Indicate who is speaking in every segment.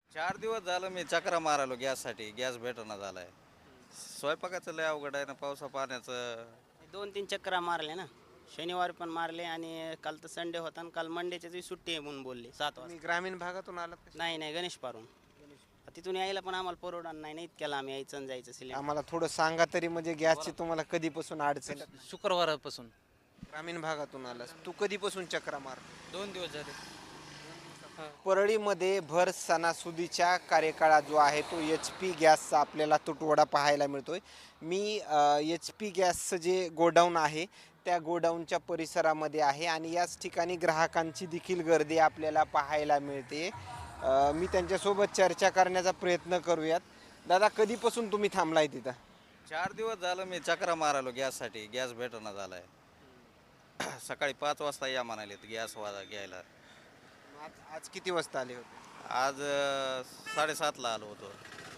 Speaker 1: 4 दिवस झालं मी चक्रा मारायलो गॅससाठी. गॅस भेटना झालाय. स्वयंपाकाचं लय अवघड आहे ना, पावसा पाण्याचं.
Speaker 2: 2-3 चक्रा मारले ना. शनिवारी पण मारले आणि काल तर संडे होता आणि काल मंडेच्या दिवशी सुट्टी आहे म्हणून बोलले 7
Speaker 3: तुम्ही
Speaker 2: वाजता.
Speaker 3: ग्रामीण भागातून आलात का?
Speaker 2: नाही नाही गणेश पारून तिथून यायला पण आम्हाला परवडणार नाही ना इतक्याला आम्ही यायचं आणि जायचं सिलेंडर.
Speaker 3: आम्हाला थोडं सांगा तरी, म्हणजे गॅसची तुम्हाला कधीपासून अडचण आहे?
Speaker 4: शुक्रवारापासून
Speaker 3: ग्रामीण भागातून आलास तू, कधीपासून चक्रा मार?
Speaker 4: 2 दिवस झाले.
Speaker 3: परळीमध्ये भर सणासुदीच्या कार्यकाळात जो आहे तो एच पी गॅसचा आपल्याला तुटवडा पाहायला मिळतोय. मी एच पी गॅसचं जे गोडाऊन आहे त्या गोडाऊनच्या परिसरामध्ये आहे आणि याच ठिकाणी ग्राहकांची देखील गर्दी आपल्याला पाहायला मिळते. मी त्यांच्यासोबत चर्चा करण्याचा प्रयत्न करूयात. दादा, कधीपासून तुम्ही थांबलाय तिथं?
Speaker 1: 4 दिवस झालं मी चक्रा मारायलो गॅससाठी. गॅस भेटना झालाय. सकाळी 5 वाजता या म्हणाले गॅस घ्यायला.
Speaker 3: आज आज किती वाजता आले होते?
Speaker 1: आज 7:30ला आलो होतो.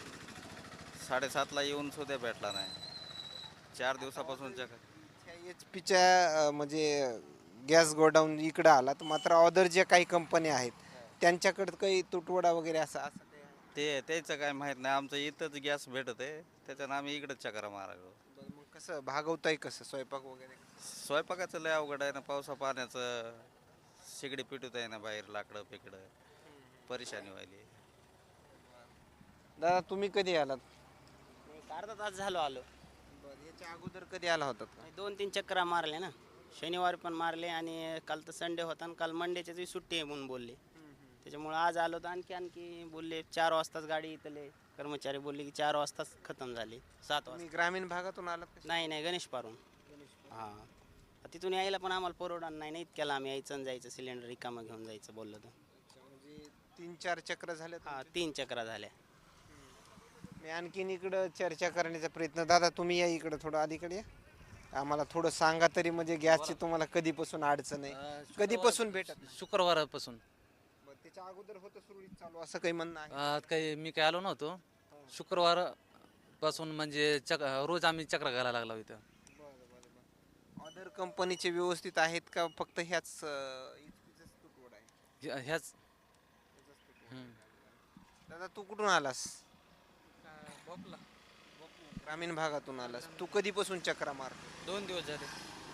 Speaker 1: 7:30ला येऊन सुद्धा भेटला नाही. 4 दिवसापासून चक्र.
Speaker 3: एच पीच्या म्हणजे गॅस गोडाऊन इकडं आलात, मात्र अदर ज्या काही कंपन्या आहेत त्यांच्याकडे काही तुटवडा वगैरे असं असं काही आहे?
Speaker 1: ते त्याचं काय माहीत नाही. आमचं इथंच गॅस भेटत आहे, त्याच्यानं आम्ही इकडंच चक्रा मारायलो.
Speaker 3: बरं, मग कसं भागवताय, कसं स्वयंपाक वगैरे?
Speaker 1: स्वयंपाकाचं लय अवघड आहे ना, पावसा पाण्याचं. शिगडी पिटूत आहे ना बाहेर, लाकडं पिकडं. परेशानी व्हायली.
Speaker 3: दादा, तुम्ही कधी आलात?
Speaker 2: अर्धा तास झालो आलो.
Speaker 3: बरं, याच्या अगोदर कधी आला होतात का?
Speaker 2: 2-3 चक्रा मारले ना. शनिवारी पण मारले आणि काल तर संडे होता आणि काल मंडेच्या दिवशी सुट्टी आहे म्हणून बोलले. त्याच्यामुळे आज आलो तर आणखी बोलले 4 वाजताच गाडी इथले कर्मचारी बोलले की 4 वाजताच खतम झाली. 7 वाजता.
Speaker 3: तुम्ही ग्रामीण भागातून आलात का?
Speaker 2: नाही नाही गणेश पारून. हां, तिथून यायला पण आम्हाला परवडणार नाही ना इतक्याला आम्ही यायचं आणि जायचं सिलेंडर रिकामं घेऊन जायचं बोललं तर.
Speaker 3: म्हणजे 3-4 चक्र झाले.
Speaker 2: हां, 3 चक्रा झाल्या.
Speaker 3: मी आणखीन इकडं चर्चा करण्याचा प्रयत्न. दादा, तुम्ही या इकडं, थोडं अलीकडे या. आम्हाला थोडं सांगा तरी, म्हणजे गॅसची तुम्हाला कधीपासून अडचण आहे, कधीपासून भेटत नाही?
Speaker 4: शुक्रवारापासून.
Speaker 3: बरं, त्याच्या अगोदर होतं सुरळीत चालू, असं काही म्हणणं आहे?
Speaker 4: काही मी काही आलो नव्हतो. शुक्रवार पासून म्हणजे रोज आम्ही चक्र घालायला लागलो इथं.
Speaker 3: अदर कंपनीचे व्यवस्थित आहेत का, फक्त ह्याच HP चाच तुटवडा आहे?
Speaker 4: ह्याच
Speaker 3: दादा, तू कुठून आलास? ग्रामीण भागातून आलास तू, कधीपासून चक्रा मार?
Speaker 4: 2 दिवस झाले.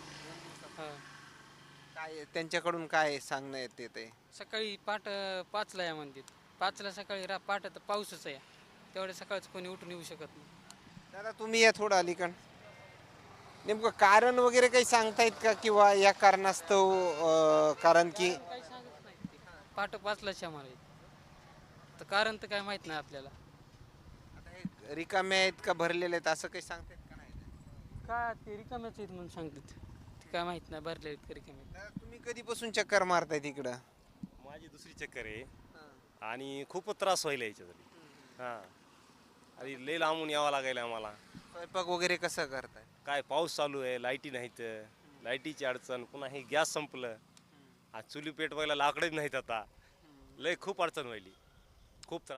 Speaker 3: काय त्यांच्याकडून काय सांगणं येते?
Speaker 5: सकाळी 5ला या म्हणतात. 5ला सकाळी पहाट तर पाऊसच आहे. तेवढ्या सकाळचं कोणी उठून येऊ शकत नाही.
Speaker 3: दादा, तुम्ही या थोडं अलीकड. नेमकं कारण वगैरे काही सांगतायत का, किंवा या कारणास्तव कारण की
Speaker 5: काही सांगत नाही ते. पहाटे 5लाच या म्हणाले. तर कारण तर काय माहित नाही आपल्याला.
Speaker 3: आता हे रिकामे आहेत का भरलेले आहेत, असं काही सांगतायत का नाही?
Speaker 5: काय ते रिकाम्याच आहेत म्हणून सांगतात. ते काय माहित नाही भरले आहेत का रिकामे.
Speaker 3: दादा, तुम्ही कधीपासून चक्कर मारताय तिकडं?
Speaker 6: माझी दुसरी चक्कर आहे आणि खूपच त्रास व्हायला याच्यासाठी. हां, आणि लई लांबून यावं लागायला आम्हाला.
Speaker 3: स्वयंपाक वगैरे कसं करताय?
Speaker 6: काय पाऊस चालू आहे, लाईटी नाहीत, लाईटीची अडचण, पुन्हा हे गॅस संपलं. आज चुली पेटवायला लाकडंच नाहीत आता. लय खूप अडचण व्हायली, खूप त्रास.